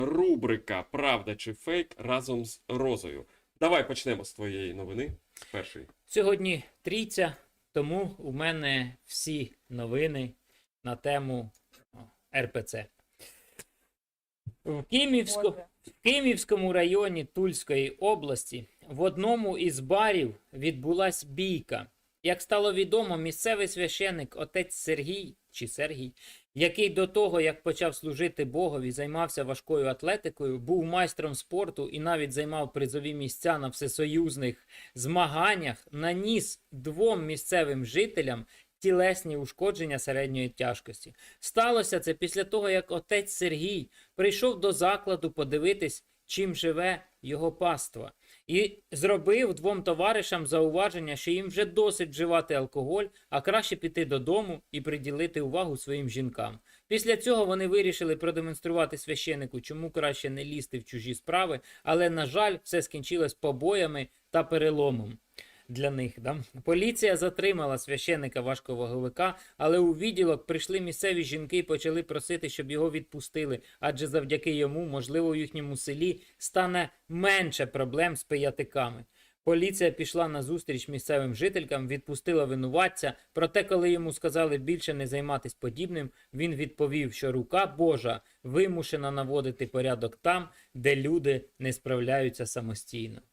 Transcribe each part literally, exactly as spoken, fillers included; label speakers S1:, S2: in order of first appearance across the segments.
S1: Рубрика «Правда чи фейк» разом з Розою. Давай почнемо з твоєї новини. Першої.
S2: Сьогодні трійця, тому у мене всі новини на тему ер пе це. В, Кимівську... в Кимівському районі Тульської області в одному із барів відбулась бійка. Як стало відомо, місцевий священик отець Сергій, чи Сергій, який до того, як почав служити Богові, займався важкою атлетикою, був майстром спорту і навіть займав призові місця на всесоюзних змаганнях, наніс двом місцевим жителям тілесні ушкодження середньої тяжкості. Сталося це після того, як отець Сергій прийшов до закладу подивитись, чим живе його паства. І зробив двом товаришам зауваження, що їм вже досить вживати алкоголь, а краще піти додому і приділити увагу своїм жінкам. Після цього вони вирішили продемонструвати священику, чому краще не лізти в чужі справи, але, на жаль, все скінчилось побоями та переломом. Для них, да? Поліція затримала священика важковаговика, але у відділок прийшли місцеві жінки і почали просити, щоб його відпустили, адже завдяки йому, можливо, у їхньому селі стане менше проблем з пиятиками. Поліція пішла на зустріч місцевим жителькам, відпустила винуватця, проте коли йому сказали більше не займатися подібним, він відповів, що рука Божа вимушена наводити порядок там, де люди не справляються самостійно.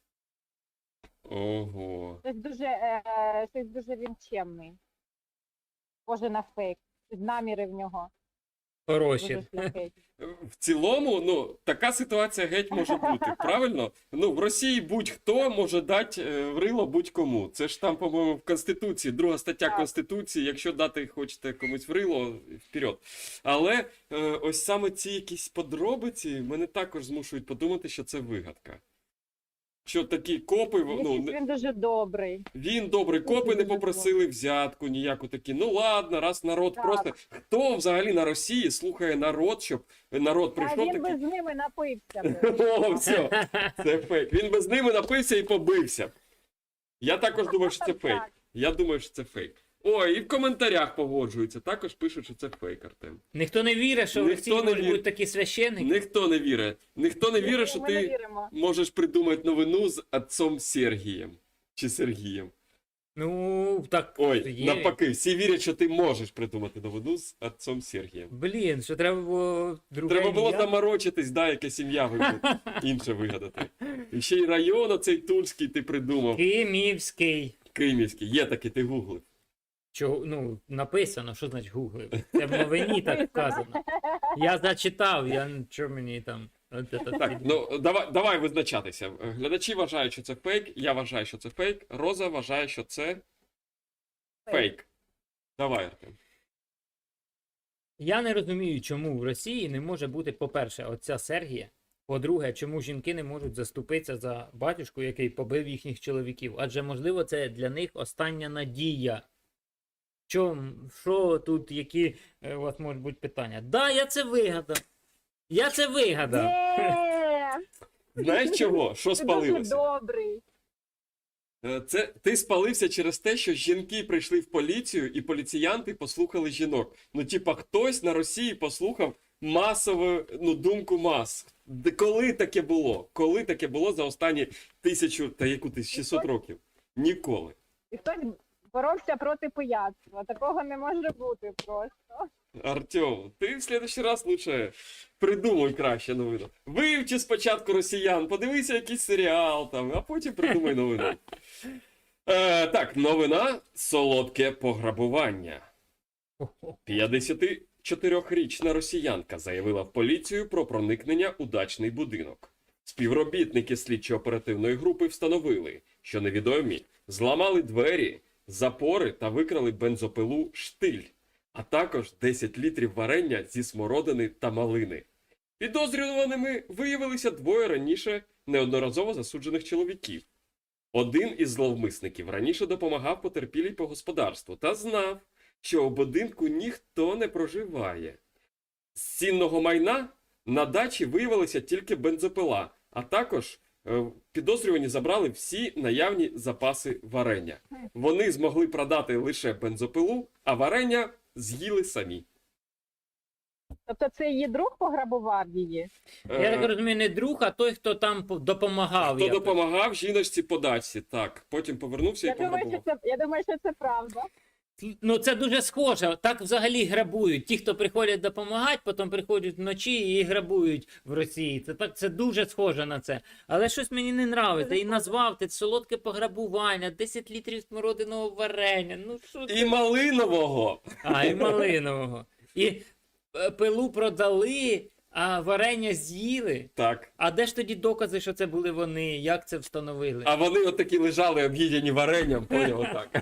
S1: Ого.
S3: Щось дуже, е, щось дуже він чемний. Схоже на фейк. Наміри в нього
S2: Хороші.
S3: дуже шляхетні.
S1: В цілому, ну, така ситуація геть може бути, правильно? Ну, в Росії будь-хто може дати е, в рило будь-кому. Це ж там, по-моєму, в Конституції, друга стаття
S3: Так.
S1: Конституції, якщо дати хочете комусь в рило, вперед. Але е, ось саме ці якісь подробиці мене також змушують подумати, що це вигадка. Що такі копи, ну,
S3: Якийсь
S1: не-
S3: він дуже добрий.
S1: він добрий, копи не
S3: Дуже
S1: попросили взятку ніяку такі. Ну ладно, раз народ
S3: Так.
S1: просто. Хто взагалі на Росії слухає народ, щоб народ
S3: А
S1: прийшов
S3: він
S1: такий.
S3: би з ними напився.
S1: О, все, це фейк. Він би з ними напився і побився. Я також думаю, що це фейк. Я думаю, що це фейк. Ой, і в коментарях погоджуються. Також пишуть, що це фейк, Артем.
S2: Ніхто не вірить, що в
S1: Ніхто
S2: Росії
S1: не
S2: можуть
S1: вірить.
S2: бути такі священники.
S1: Ніхто не вірить. Ніхто не вірить, що
S3: Ми не
S1: ти
S3: віримо.
S1: можеш придумати новину з отцом Сергієм. Чи Сергієм.
S2: Ну, так
S1: Ой,
S2: є.
S1: навпаки, всі вірять, що ти можеш придумати новину з отцом Сергієм.
S2: Блін, що треба було друге
S1: Треба було
S2: ім'я?
S1: заморочитись, да, якесь ім'я вигадати, інше вигадати. І ще й район оцей Тульський ти придумав.
S2: Кимівський.
S1: Кимівський. Є такий, ти гуглив.
S2: Чого, ну, написано, що значить гуглив? Це в новині так вказано. Я зачитав, я що мені там. От це
S1: Так,
S2: так,
S1: ну давай, давай визначатися. Глядачі вважають, що це фейк, я вважаю, що це фейк, Роза вважає, що це фейк. Давай, Артем.
S2: Я не розумію, чому в Росії не може бути, по-перше, отця Сергія. По-друге, чому жінки не можуть заступитися за батюшку, який побив їхніх чоловіків. Адже, можливо, це для них остання надія. Чом, що тут, які е, у вас можуть бути питання? Да, я це вигадав. Я це вигадав.
S3: Є!
S1: Знаєш чого? Що
S3: Ти дуже
S1: спалилося?
S3: добрий.
S1: Е, Це ти спалився через те, що жінки прийшли в поліцію і поліціянти послухали жінок. Ну, типа, хтось на Росії послухав масову, ну, думку мас. Де коли таке було? Коли таке було за останні тисячу та яку ти шістсот років? Ніколи.
S3: І хтось боровся проти пияцтва. Такого не може бути просто.
S1: Артем, ти в следующий раз лучше придумай краще новину. Вивчи спочатку росіян, подивися якийсь серіал там, а потім придумай новину. Е, так, новина солодке пограбування. п'ятдесятичотирирічна росіянка заявила в поліцію про проникнення у дачний будинок. Співробітники слідчо-оперативної групи встановили, що невідомі зламали двері, запори та викрали бензопилу «Штиль», а також десять літрів варення зі смородини та малини. Підозрюваними виявилися двоє раніше неодноразово засуджених чоловіків. Один із зловмисників раніше допомагав потерпілій по господарству та знав, що у будинку ніхто не проживає. З цінного майна на дачі виявилася тільки бензопила, а також е, підозрювані забрали всі наявні запаси варення. Вони змогли продати лише бензопилу, а варення з'їли самі.
S3: Тобто це її друг пограбував її?
S2: Я
S1: Е,
S2: так розумію, не друг, а той, хто там по- допомагав.
S1: Хто
S2: якось.
S1: допомагав жіночці по дачці, так. Потім повернувся
S3: Я
S1: і
S3: думаю, що
S1: пограбував.
S3: це, я думаю, що це правда.
S2: Ну, це дуже схоже. Так взагалі грабують. Ті, хто приходять допомагати, потім приходять вночі і грабують в Росії. Це так, це дуже схоже на це. Але щось мені не нравиться. І назвав ти солодке пограбування, десять літрів смородиного варення. Ну що
S1: І
S2: це?
S1: малинового.
S2: А, і малинового. І е, пилу продали, а варення з'їли.
S1: Так.
S2: А де ж тоді докази, що це були вони? Як це встановили?
S1: А вони отакі лежали об'їдені варенням, поняв, отак.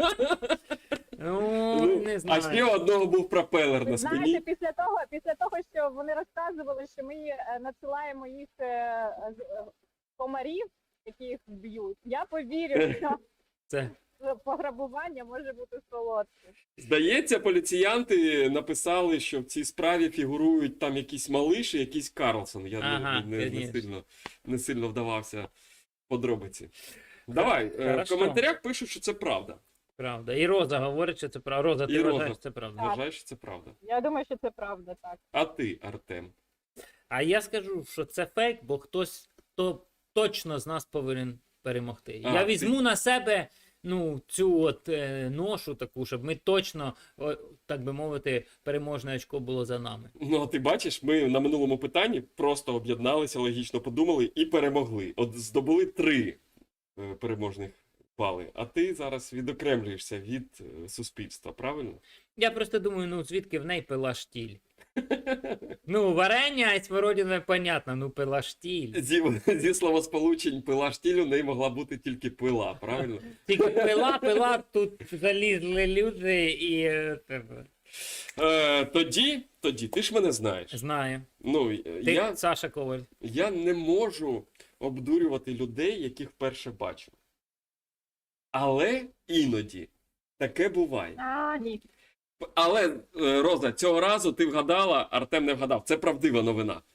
S2: Ну, не
S1: А
S2: знаю.
S1: ще у одного був пропелер
S3: Ви
S1: на
S3: знаєте,
S1: спині.
S3: після того, після того, що вони розказували, що ми е, надсилаємо їх е, з- е, комарів, які їх б'ють, я повірю, що
S2: Це.
S3: пограбування може бути солодким.
S1: Здається, поліціянти написали, що в цій справі фігурують там якісь малиш і якийсь Карлсон. Я не-
S2: Ага,
S1: не, не,
S2: конечно.
S1: сильно, не сильно вдавався в подробиці. Давай, е, в
S2: Хорошо.
S1: коментарях пишуть, що це правда.
S2: Правда. І Роза говорить, що це правда. Роза, ти
S1: І Роза.
S2: вважаєш, що це правда.
S3: Так.
S1: Вважаєш, що це правда.
S3: Я думаю, що це правда, так.
S1: А ти, Артем?
S2: А я скажу, що це фейк, бо хтось то точно з нас повинен перемогти.
S1: А,
S2: я
S1: ти-
S2: візьму на себе ну, цю от е, ношу таку, щоб ми точно, о, так би мовити, переможне очко було за нами.
S1: Ну, а ти бачиш, ми на минулому питанні просто об'єдналися, логічно подумали і перемогли. От здобули три е, переможних бали. А ти зараз відокремлюєшся від е, суспільства, правильно?
S2: Я просто думаю, ну звідки в неї пила штіль? Ну, варення і смородина, понятно, ну пила штіль.
S1: Зі, зі словосполучень пила штіль у неї могла бути тільки пила, правильно?
S2: Тільки пила, пила, тут залізли люди і е, тебе.
S1: Е, тоді, тоді, ти ж мене знаєш.
S2: Знаю.
S1: Ну,
S2: Ти
S1: я,
S2: Саша Коваль.
S1: я не можу обдурювати людей, яких вперше бачу. Але іноді таке буває.
S3: А, ні.
S1: Але, е, Роза, цього разу ти вгадала, Артем не вгадав. Це правдива новина.